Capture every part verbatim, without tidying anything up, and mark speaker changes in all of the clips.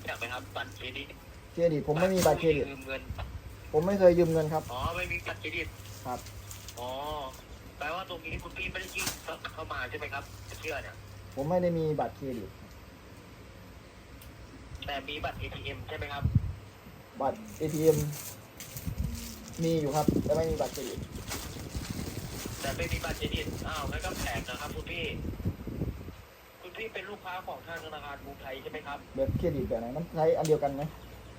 Speaker 1: จักไหมครับบัตรเครดิต
Speaker 2: เครดิตผมไม่มีบัตรเครดิต
Speaker 1: ยืมเงิน
Speaker 2: ผมไม่เคยยืมเงินครับ
Speaker 1: อ๋อไม่มีบัตรเครดิต
Speaker 2: ครับ
Speaker 1: อ๋อแปลว่าตรงนี้คุณพี่ไม่ได้ยื่นเข้ามาใช่ไหมครับเชื่อเนี่ย
Speaker 2: ผมไม่ได้มีบัตรเครดิต
Speaker 1: แต่มีบัตร เอ ที เอ็ม ใช่ไหมครับ
Speaker 2: บัตร เอ ที เอ็ม มีอยู่ครับแต่ไม่มีบัตรเครดิต
Speaker 1: แต่ไม่มีบัตรเครดิตอ้าวงั้นก็แปลกนะครับคุณพี่คุณพี่เป็นลูกค้าของทางธนาคารกรุงไทยใช่ไหมครับ
Speaker 2: แบบเครดิตแบบไหนมันใช้อันเดียวกันไหม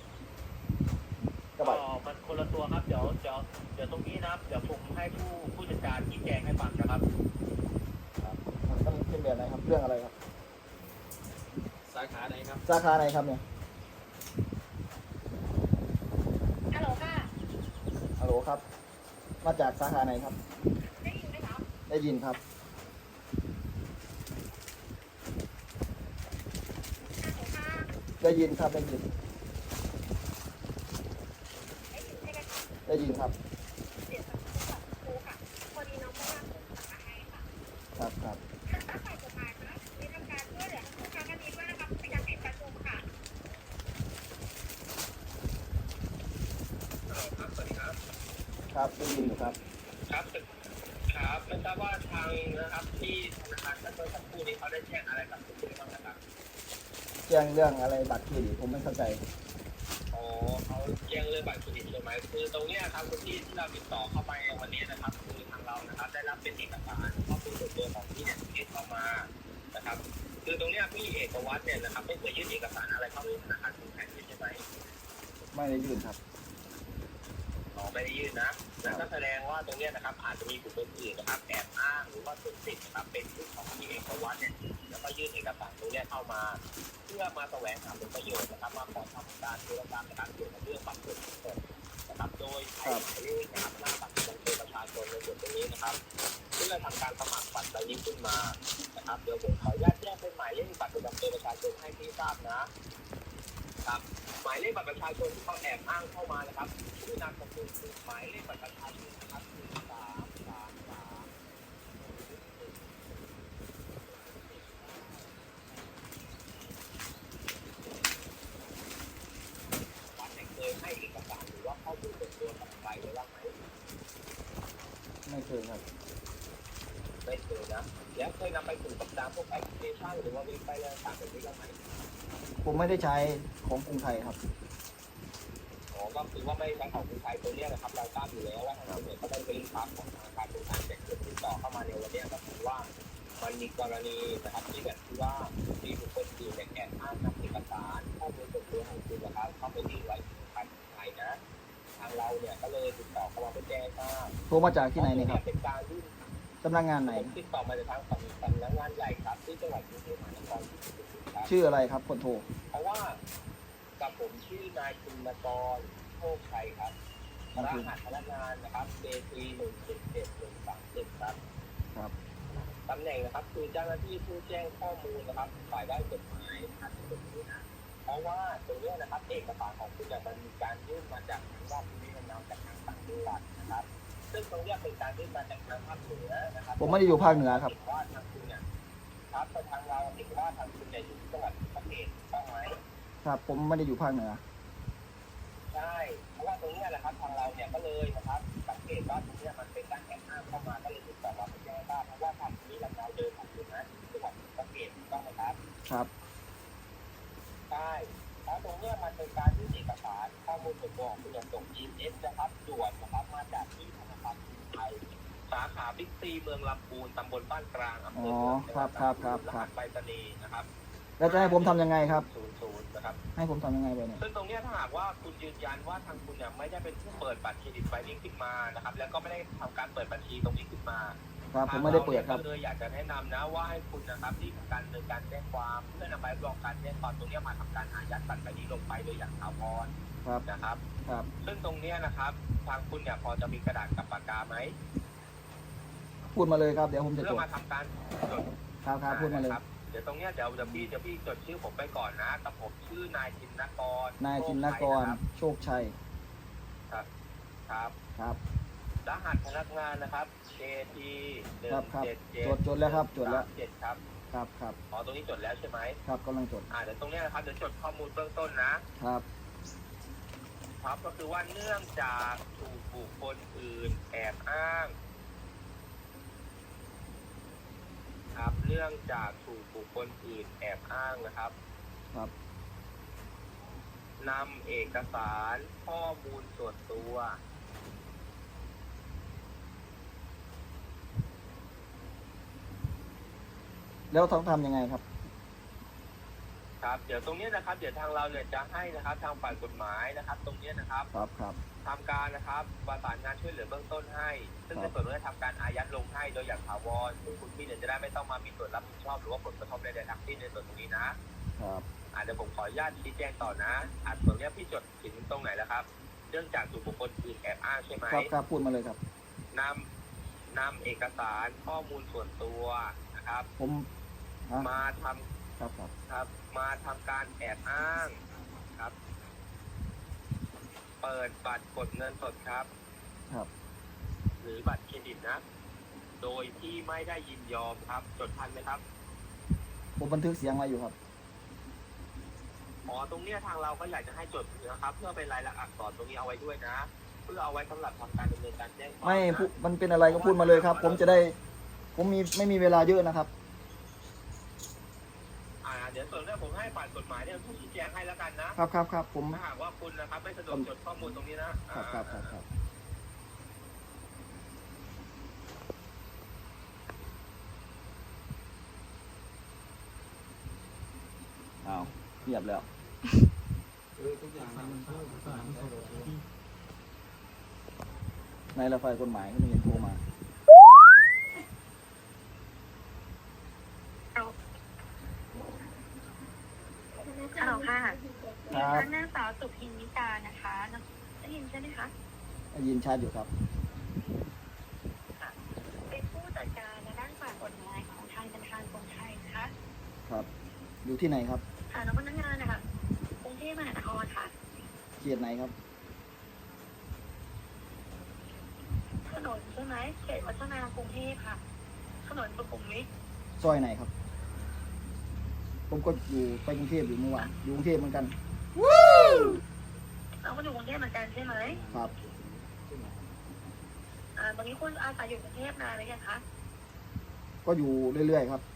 Speaker 1: ก็มันคนละตัวครับเดี๋ยวเดี๋ยวเดี๋ยวตรงนี้นะครับเดี๋ยวผมให้ผู้ผู้จัดการชี้แจงให้ฟังนะครับ
Speaker 2: มันต้องเป็นแบบไหนครับเรื่องอะไรครับ
Speaker 1: สาขาไหนครับ
Speaker 2: สาขาไหนครับเนี่ย
Speaker 3: ฮัลโหลค่ะ
Speaker 2: ฮัลโหลครับมาจากสาขาไหนครับ
Speaker 3: ได้ยินไหมครับ
Speaker 2: ได้ยินครับ
Speaker 3: ฮัลโหลค่ะ
Speaker 2: ได้ยินครับได้ยิน
Speaker 3: ได้ยินใช่ไหมครับ
Speaker 2: ได้ยินครับ
Speaker 3: เดี๋ยวจะพูดกับครูค่ะพอดีน้องเพิ่งรับส่งมาให้ค่ะ
Speaker 2: ครับครับ
Speaker 3: ทางฝ่ายกฎหมายนะมีทำการช่วยเหลือผู้ค้าคดีด้วยนะครับในการปิดประชุมค่ะ
Speaker 1: ครับสวัสดีครับ
Speaker 2: ครับได้ยินอยู่ครับ
Speaker 1: ครับครับไม่ทราบว่าทางนะครับที่ธนาคารเมื่อสักครู่นี้เขาได้แจ้งอะไรกับคุณบ้างนะครับ
Speaker 2: แจ้งเรื่องอะไรบัตรเครดิตผมไม่เข้าใจ
Speaker 1: อ๋อเขาแจ้งเรื่องบัตรเครดิตใช่ไหมคือตรงนี้ครับคุณที่ที่เราติดต่อเข้าไปวันนี้นะครับคือทางเรานะครับได้รับเป็นเอกสารข้อมูลส่วนตัวของพี่เนี่ยยื่นเข้ามานะครับคือตรงนี้พี่เอกวัฒน์เนี่ยนะครับไม่เคยยื่นเอกสารอะไรเข้าไปธนาคารกรุงไทยใช่ไหม
Speaker 2: ไม่ได้ยื่นครับ
Speaker 1: อ๋อไม่ได้ยื่นนะนั่นก็แสดงว่าตรงนี้นะครับอาจจะมีบุคคลอื่นนะครับแอบอ้างหรือว่าสุดสิทธิ์นะครับเป็นผู้ของพี่เอกวัฒน์เนี่ยแล้วก็ยื่นเอกสารตรงนี้เข้ามาเพื่อมาแสวงหาผลประโยชน์นะครับมาขอทำการธุรกรรมในการเกี่ยวกับเรื่องบัตรเครดิตนะครับโดยใช้หมายเลขนะครับหน้าบัตรประจำตัวประชาชนในส่วนตรงนี้นะครับเพื่อทำการสมัครบัตรใบนี้ขึ้นมานะครับเดี๋ยวผมขออนุญาตแจ้งเป็นหมายเลขบัตรประจำตัวประชาชนให้พี่ทราบนะครับหมายเลขบัตรประชาชนที่เขาแอบอ้างเข้ามานะครับชื่อนามสกุลคือหมายเลขบัตรประชาชนนะครับคือสามสามสามวัดเคยให้เอกสารหรือว่าข้อมูลส่วนตัวกับใครไว้บ้างไหม
Speaker 2: ไม่เคยครับ
Speaker 1: ไม่เคยนะแล้วเคยนำไปสู่กับตามพวกแอปพลิเคชันหรือว่าเว็บไซต์ต่างๆแบบนี้บ้างไหม
Speaker 2: ผมไม่ได้ใช้ของกรุงไทยครับ
Speaker 1: อ๋อก็คือว่าไม่ใช้ของกรุงไทยตัวนี้นะครับเราทราบอยู่แล้วว่าทางตำรวจก็ได้เป็นความของธนาคารกรุงไทยแต่เกิดติดต่อเข้ามาในวันนี้ก็คือว่ามันมีกรณีนะครับที่แบบที่ว่ามีบุคคลอื่นแอบอ้างนำเอกสารข้อมูลส่วนตัวของคุณนะครับเข้าไปยื่นไว้ที่ธนาคารกรุงไทยนะทางเราเนี่ยก็เลยติดต่อเข้ามาเพื่อแจ้งทราบ
Speaker 2: โทรมาจากที่ไหนเนี่ยครับ
Speaker 1: เป็นการยื่น
Speaker 2: สำนักงานไหน
Speaker 1: ติดต่อมาจากทางสำนักงานใหญ่ครับที่จังหวัดกรุงเทพมหานคร
Speaker 2: ชื่ออะไรครับคนโทร
Speaker 1: เพราะว่ากับผมชื่อนายคุณนกรโชคชัยครับรหัสพนักงานนะครับ เจ ที หนึ่ง เจ็ด เจ็ด หนึ่ง สาม เจ็ดครับ
Speaker 2: ครับ
Speaker 1: ตำแหน่งนะครับคือเจ้าหน้าที่ผู้แจ้งข้อมูลนะครับฝ่ายด้านกฎหมายนะครับตรงนี้นะเพราะว่าตรงนี้นะครับเอกสารของคุณเนี่ยมันมีการยื่นมาจากทางราชบุรีนำจากทางต่างจังหวัดนะครับซึ่งตรงนี้เป็นการยื่นมาจากทางภาคเหนือนะครับ
Speaker 2: ผมไม่ได้อยู่ภาคเหนือครับ
Speaker 1: ว่าทางคุณเนี่ยครับแต่ทางเราเห็นว่าทางคุณเนี่ยอยู่จังหวัดประเทศต้องไหม
Speaker 2: ครับผมไม่ได้อยู่ภาคเหนือ
Speaker 1: ใช่เพราะว่าตรงนี้แหละครับทางเราเนี่ยก็เลยนะครับสังเกตว่าตรงนี้มันเป็นการแอบอ้างเข้ามาก็เลยติดต่อมาแจ้งว่าเพราะว่าทางนี้เราเดินของคุณนะจังหวัดประเทศต้องไหมครับ
Speaker 2: ครับ
Speaker 1: ใช่แล้วตรงนี้มันเป็นการที่เอกสารข้อมูลส่วนตัวของคุณจะส่ง อี เอส นะครับด่วนนะครับมาจากที่ธนาคารกรุงไทยสาขาบิ๊กซีเมืองลำพูนตำบลบ้านกลางอำเภอเมือง
Speaker 2: ครับครับครับ
Speaker 1: รหัสไปรษณีย์นะครับ
Speaker 2: แล้วจะให้ผมทำยังไงครับ
Speaker 1: ศูนย์ศูนย์นะครับ
Speaker 2: ให้ผมทำยังไงไปเนี่ย
Speaker 1: ซึ่งตรงนี้ถ้าหากว่าคุณยืนยันว่าทางคุณเนี่ยไม่ได้เป็นผู้เปิดบัตรเครดิตไฟลิ่งขึ้นมานะครับแล้วก็ไม่ได้ทำการเปิดบัญชีตรงนี้ขึ้นมา
Speaker 2: ครับผมไม่ได้เปิดครับ
Speaker 1: เลยอยากจะแนะนำนะว่าให้คุณนะครับรีบทำการดำเนินการแจ้งความเพื่อนำใบรับรองการแจ้งความตรงนี้มาทำการอายัดบัตรใบนี้ลงไปโดยอย่างถาวรนะครับ
Speaker 2: ครับ
Speaker 1: ซึ่งตรงนี้นะครับทางคุณเนี่ยพอจะมีกระดาษกับปากกาไหม
Speaker 2: พูดมาเลยครับเดี๋ยวผมจะจด
Speaker 1: เพื่อมาทำการจด
Speaker 2: ครับครับพูดมาเลย
Speaker 1: เดี๋ยวตรงนี้เดี๋ยวเดี๋ยวพี่เดี๋ยวพี่จดชื่อผมไปก่อนนะกับผมชื่อนายจินนกร
Speaker 2: นายจินนกรโชคชัย
Speaker 1: ครับครับ
Speaker 2: ครับ
Speaker 1: รหัสพนักงานนะครับ เจ ที หนึ่ง เจ็ด เจ็ด
Speaker 2: จดจดแล้วครับจดแล้ว
Speaker 1: เจ็ดครับ
Speaker 2: ครับครับ
Speaker 1: อ๋อตรงนี้จดแล้วใช่ไหม
Speaker 2: ครับกำลังจด
Speaker 1: อ่าเดี๋ยวตรงเนี้ยนะครับเดี๋ยวจดข้อมูลเบื้องต้นนะครับ ครับก็คือว่าเนื่องจากถูกบุคคลอื่นแอบอ้างครับเนื่องจากถูกบุคคลอื่นแอบอ้างนะครับ
Speaker 2: ครับ
Speaker 1: นำเอกสารข้อมูลส่วนตัว
Speaker 2: แล้วต้องทำยังไงครับ
Speaker 1: ครับเดี๋ยวตรงเนี้ยนะครับเดี๋ยวทางเราเนี่ยจะให้นะครับทางฝ่ายกฎหมายนะครับ ตรงเนี้ยนะครับ
Speaker 2: ครับครับ
Speaker 1: ทำการนะครับประสานงานช่วยเหลือเบื้องต้นให้ ซึ่ง
Speaker 2: ค
Speaker 1: ใน
Speaker 2: รับ
Speaker 1: ส่วนนี้จะทำการอายัดลงให้โดยอย่างถาวรซึ่งคุณพี่เนี่ยจะได้ไม่ต้องมามีส่วนรับผิดชอบหรือว่าผลกระทบใดๆทั้งสิ้นในส่วนตรงนี้นะครับ อ่าเดี๋ยวผมขออนุญาตชี้แจงต่อนะอ่าส่วนเนี้ยพี่จดถึงตรงไหนแล้วครับเนื่องจากถูกบุคคลอื่นแอบอ้างใช่ไหม
Speaker 2: ครับครับพูดมาเลยครับ
Speaker 1: นำนำเอกสารข้อมูลส่วนตัวนะครับ
Speaker 2: ผมฮะ
Speaker 1: มาทำ
Speaker 2: ครับครับ
Speaker 1: ครับมาทำการแอบอ้างครับ เปิดบัตรกดเงินสดครับ
Speaker 2: ครับ
Speaker 1: หรือบัตรเครดิตนะ โดยที่ไม่ได้ยินยอมครับ จดทันไหมครับ
Speaker 2: ผมบันทึกเสียงไว้อยู่ครับ
Speaker 1: อ๋อตรงเนี้ยทางเราก็อยากจะให้จดนะครับ เพื่อเป็นรายละอักษรตรงนี้เอาไว้ด้วยนะ เพื่อเอาไว้สำหรับทำการดำเนินการแจ้งความ
Speaker 2: ไม่
Speaker 1: นะ
Speaker 2: พูดมันเป็นอะไรก็พูดมาเลยครับ ผมจะได้ ผมมีไม่มีเวลาเยอะนะครับ
Speaker 1: อ่าเดี๋ยวส่วนเรื่องผมให้ฝ่ายกฎหมายเนี่ยผู้ชี้แจงให้แล้วกันนะครับ
Speaker 2: ครับครับผม
Speaker 1: ถ้าหากว่าคุณนะครับไม่สะดวกจดข้อมูลตรงนี้นะครับ
Speaker 2: ครับครับครับอ้าวเงียบแล้วในละฝ่ายกฎหมายก็ไม่เห็นโทรมา
Speaker 3: ฮัลโหลค่ะ
Speaker 2: ครับ
Speaker 3: นางสาวสุพินนิกานะคะได้ยินใช่ไหมคะ
Speaker 2: ได้ยินชัดอยู่ครับ
Speaker 3: เป็นผู้จัดการในด้านฝ่ายกฎหมายของทางธนาคารกรุงไทยนะคะ
Speaker 2: ครับ อยู่ที่ไหนครับ
Speaker 3: ค่ะแล้วพนักงานนะคะกรุงเทพมหานครค่ะ
Speaker 2: เขตไหนครับ
Speaker 3: ถนนใช่ไหมเขตวัฒนากรุงเทพค่ะ ถนนสุขุมวิท
Speaker 2: ซอยไหนครับ ผมก็อยู่ไปกรุงเทพอยู่เมื่อวานอยู่กรุงเทพเหมือนกัน
Speaker 3: เราก็อยู่กรุงเทพเหมือนกันใช่ไหม
Speaker 2: ครับ
Speaker 3: อ่าตอนนี้คุณอาศัยอยู่กรุงเทพนานหรือยังคะ
Speaker 2: ก็อยู่เรื่อยๆครับ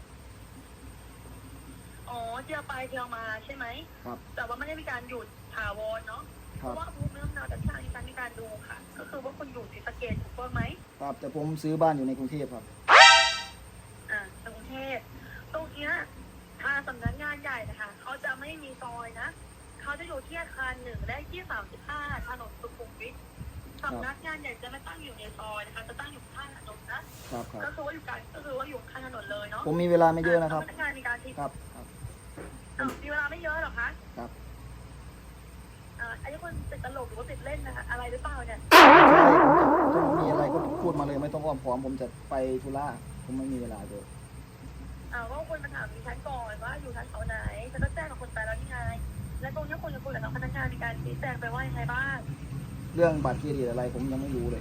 Speaker 3: อ๋อเที่ยวไปเที่ยวมาใช่ไหม
Speaker 2: ครับ
Speaker 3: แต่ว่าไม่ได้มีการหยุดถาวรเนาะ
Speaker 2: ค
Speaker 3: เพ
Speaker 2: รับ
Speaker 3: ราะว่าภูมิลำเนาจากทางมีการมีการดูค่ะ ก็คือว่าคุณอยู่ศรีสะเกษถูกต้องไหม
Speaker 2: ครับ แต่ผมซื้อบ้านอยู่ในกรุงเทพครับ
Speaker 3: อ่ากรุงเทพตรงเนี้ยทางสำนักงานใหญ่นะคะเขาจะไม่มีซอยนะเขาจะอยู่ที่อาคารหนึ่งและที่สามสิบห้าถนนสุขุมวิทสำนักงานใหญ่จะไม่ตั้งอยู่ในซอยนะคะจะตั้งอยู่ข้างถนนนะครับ
Speaker 2: ครับ
Speaker 3: ก็คือว่าอยู่กลางก็คือว่าอยู่ข้างถนนเลยเนาะ
Speaker 2: ผมมีเวลาไม่เยอะนะครับ
Speaker 3: สำนักงานมีการที่
Speaker 2: ครับ ครับ
Speaker 3: อ้าวมีเวลาไม่เยอะหรอคะ
Speaker 2: ครับ
Speaker 3: อ่าอันนี้คนติดตลกหรือว่าติดเล่นนะคะอะไรหรือเปล่าเนี่ย
Speaker 2: ใช่ผมจะมีอะไรก็พูดมาเลยไม่ต้องอ้อมค้อมผมจะไปธุระผมไม่มีเวลาเลย
Speaker 3: อ่าว่าคนมาถามดิฉันก่อนว่าอยู่ชั้นแถวไหนฉันก็แจ้งกับคนไปแล้วนี่ไงและตรงนี้คนจะคุยกับน้องพนักงานมีการชี้แจงไปว่ายังไงบ้าง
Speaker 2: เรื่องบัตรเครดิตอะไรผมยังไม่รู้เลย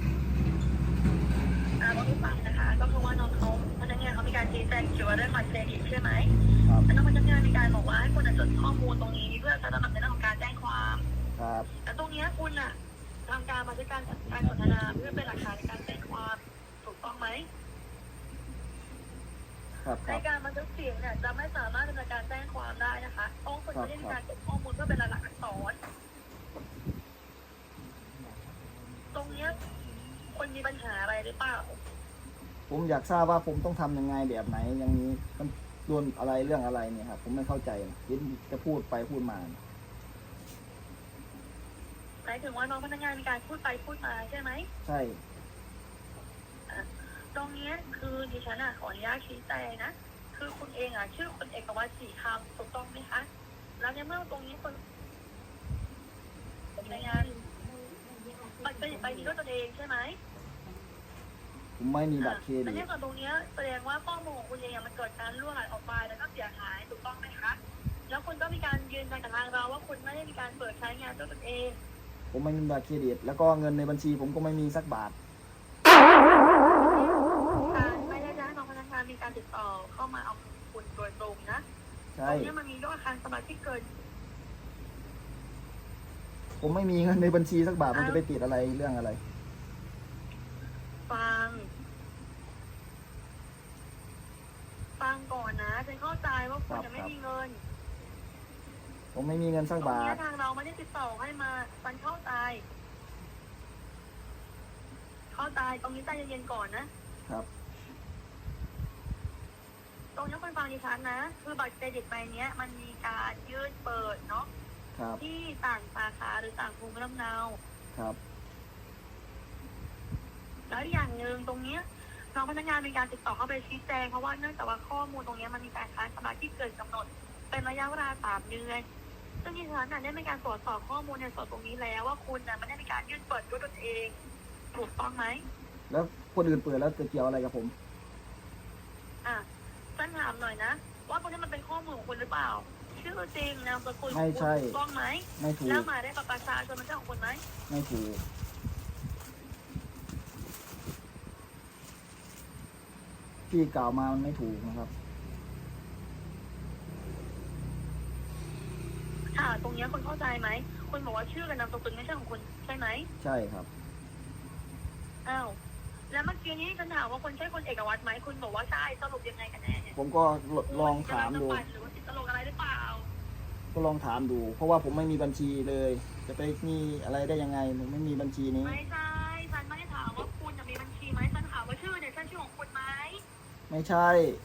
Speaker 3: อ่าต้องฟังนะคะ ก็คือว่าน้องเขาพนักงานเขามีการชี้แจงเกี่ยวกับเรื่องบัตรเครดิตใช่ไหม
Speaker 2: ครับ
Speaker 3: แล้วน้องพนักงานมีการบอกว่าให้คุณจดข้อมูลตรงนี้เพื่อจะสนับสนุนในเรื่องของการแจ้งความ
Speaker 2: ครับ
Speaker 3: แต่ตรงนี้คุณอ่ะทางการมาด้วยการการสนทนาเพื่อเป็นหลักฐานในการแจ้งความถูกต้องไหม
Speaker 2: ครับค
Speaker 3: ใน
Speaker 2: รับ
Speaker 3: การบันทึกเสียงเนี่ยจะไม่สามารถดำเนินการแจ้งความได้นะคะต้องคุณจะได้มีการเก็บข้อมูลเพื่อเป็นหลักอักษรตรงเนี้ยคนมีปัญหาอะไรหรือเปล่า
Speaker 2: ผมอยากทราบว่าผมต้องทำยังไงแบบไหนอย่างนี้มันโดนอะไรเรื่องอะไรเนี่ยครับผมไม่เข้าใจเห็นจะพูดไปพูดมา
Speaker 3: หมายถึงว่าน้องพนักงานมีการพูดไปพูดมาใช่ไหม
Speaker 2: ใช่
Speaker 3: ตรงนี้คือดิฉันอ่ะขออนุญาตชี้แจงนะ คือคุณเองอ่ะชื่อคุณเอกวัตรศรีคำถูกต้องไหมคะ แล้วในเมื่อตรงนี้คนในงานบัตรเครดิตใบนี้ด้วยตนเองใช่ไหม
Speaker 2: ผมไม่มีบัตรเคร
Speaker 3: แล้
Speaker 2: ดิ
Speaker 3: ว
Speaker 2: ต
Speaker 3: เนี่ยกับตรงนี้แสดงว่าข้อมูลของคุณเองมันเกิดการรั่วไหลออกไปแล้วก็เสียหายถูกต้องไหมคะ แล้วคุณก็มีการยืนยันกับทางเราว่าคุณไม่ได้มีการเปิดใช้งานด้วยตนเอง
Speaker 2: ผมไม่มีบัตรเครดิตแล้วก็เงินในบัญชีผมก็ไม่มีสักบาท
Speaker 3: การไม่ได้จ้างน้องพนักงานมีการติดต่อเข้ามาเอาคุณโดยตรงนะต
Speaker 2: ใช่
Speaker 3: รงนี้มันมียอดค้างสมาชิกเกิน
Speaker 2: ผมไม่มีเงินในบัญชีสักบาทมันจะไปติดอะไรเรื่องอะไร
Speaker 3: ฟัง ฟังก่อนนะฉันเข้าใจว่าคุณจะไม่มีเงิน
Speaker 2: ผมไม่มีเงินสัก
Speaker 3: ตรง
Speaker 2: บา
Speaker 3: นี้
Speaker 2: ท
Speaker 3: ทางเราไม่ได้ติดต่อให้มาฉันเข้าใจ เข้าใจตรงนี้ใจเย็นๆก่อนนะครับ ตรงนี้คุณฟังดิฉันนะ คือบัตรเครดิตใบเนี้ย มันมีการยื่นเปิดเนาะ
Speaker 2: ครับ
Speaker 3: ที่ต่างสาขาหรือต่างภูมิลำเนา
Speaker 2: ครับ
Speaker 3: แล้วอย่างหนึ่งตรงเนี้ยน้องพนักงานมีการติดต่อเข้าไปชี้แจงเพราะว่าเนื่องจากว่าข้อมูลตรงเนี้ยมันมีการค้างชำระที่เกินกำหนด เป็นระยะเวลาสามเดือนซึ่งดิฉันน่ะได้มีการตรวจสอบข้อมูลในส่วนตรงนี้แล้วว่าคุณน่ะไม่ได้มีการยื่นเปิดด้วยตนเอง ถูกต้องไหม
Speaker 2: แล้วคนอื่นเปิดแล้วจะเกี่ยวอะไรกับผม
Speaker 3: อ่ะฉันถามหน่อยนะว่าตรงนี้มันเป็นข้อมูลของคุณหรือเปล่า ชื่อจริงนามสกุลของ
Speaker 2: ไม่
Speaker 3: คุณ
Speaker 2: ใช่
Speaker 3: ถูกต้องไหม
Speaker 2: ไม่ถู
Speaker 3: แล้
Speaker 2: ก
Speaker 3: วหมายเลขบัตรประชาชนมันใช่ของคุณไหม
Speaker 2: ไม่ถูก ที่กล่าวมามันไม่ถูกนะครับ
Speaker 3: ค่ะ ตรงเนี้ยคุณเข้าใจไหมคุณบอกว่าชื่อกับนามสกุลไม่ใช่ของคุณใช่ไหม
Speaker 2: ใช่ครับ
Speaker 3: อ้าวแล้วเมื่อกี้นี้ฉันถามว่าคุณใช่คนเอกวัตรไหมคุณบอกว่าใช่สรุปยังไงกันแน่เนี่ย
Speaker 2: ผมก็ลองถามดู
Speaker 3: คุณจะรับสมัครหรือว่าติดตลกอะไรหรือเปล่า
Speaker 2: ก็ลองถามดู เพราะว่าผมไม่มีบัญชีเลย จะไปมีอะไรได้ยังไงผมไม่มีบัญชีนี้
Speaker 3: ไม่ใช่ฉันไม่ได้ถามว่าคุณจะมีบัญชีไหมฉันถามว่าชื่อเนี่ยใช่ชื่อของคุณไหม
Speaker 2: ไม่ใช่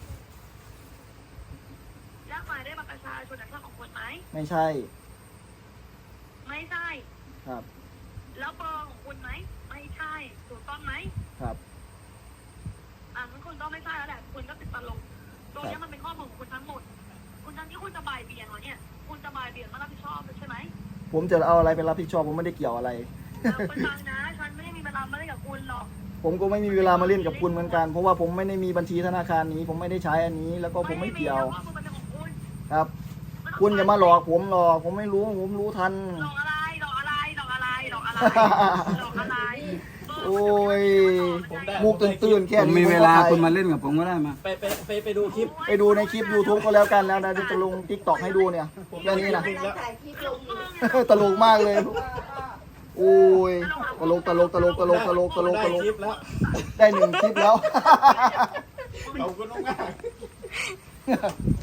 Speaker 3: แล้วหมายเลขบัตรประชาชนเนี่ยใช่ของคุณไหม
Speaker 2: ไม่ใช่
Speaker 3: ไม่ใช่
Speaker 2: ครับ
Speaker 3: แล้วเบอร์ของคุณไหมไม่ใช่ถูกต้องไหม
Speaker 2: ครับ
Speaker 3: อ่ะงั้นคุณต้องไม่ใช่แล้วแหละคุณก็ติดตลกตรงเนี้ยมันเป็นข้อมูลของคุณทั้งหมด คุณทั้งที่คุณจะบ่ายเบี่ยงเหรอเนี่ยคุณจะบ่ายเบี่ยงมารับผิดชอบเลยใช่ไหม
Speaker 2: ผมจะเอาอะไรไปรับผิดชอบผมไม่ได้เกี่ยวอะไร
Speaker 3: แล้วคุณฟังนะฉันไม่ได้มีเวลามาเล่นกับคุณหรอก
Speaker 2: ผมก็ไม่มีเวลามาเล่นกับคุณเหมือนกัน เพราะว่าผมไม่ได้มีบัญชีธนาคารนี้ ผมไม่ได้ใช้อันนี้ แล้วก็ผมไม่เกี่ยว
Speaker 3: ข้อมูลมันเป็นของคุณ
Speaker 2: ครับ คุณอย่ามาหลอกผมหรอก ผมไม่รู้ ผมรู้ทัน
Speaker 3: หลอกอะไรหลอกอะไรหลอกอะไรหลอกอะไรหลอกอะไร
Speaker 2: โอ้ย มุกตื่นๆแค่
Speaker 4: ผม
Speaker 2: นี้
Speaker 4: มีเวลา
Speaker 2: ผก็ไป
Speaker 4: คุณมาเล่นกับผมก็ได้มา
Speaker 5: ไปไปไปไปดูคลิป
Speaker 2: ไปดูในคลิป YouTube ก็แล้วกันแล้วนะจะลง TikTok ให้ดูเนี่ยเรื่องนี้นะ ตลกมากเลย โอ้ย ตลกตลกตลกตลกตลกตลกตลก
Speaker 5: คลิปแล้ว
Speaker 2: ได้หนึ่งคลิปแล้ว
Speaker 5: ขอบคุณมาก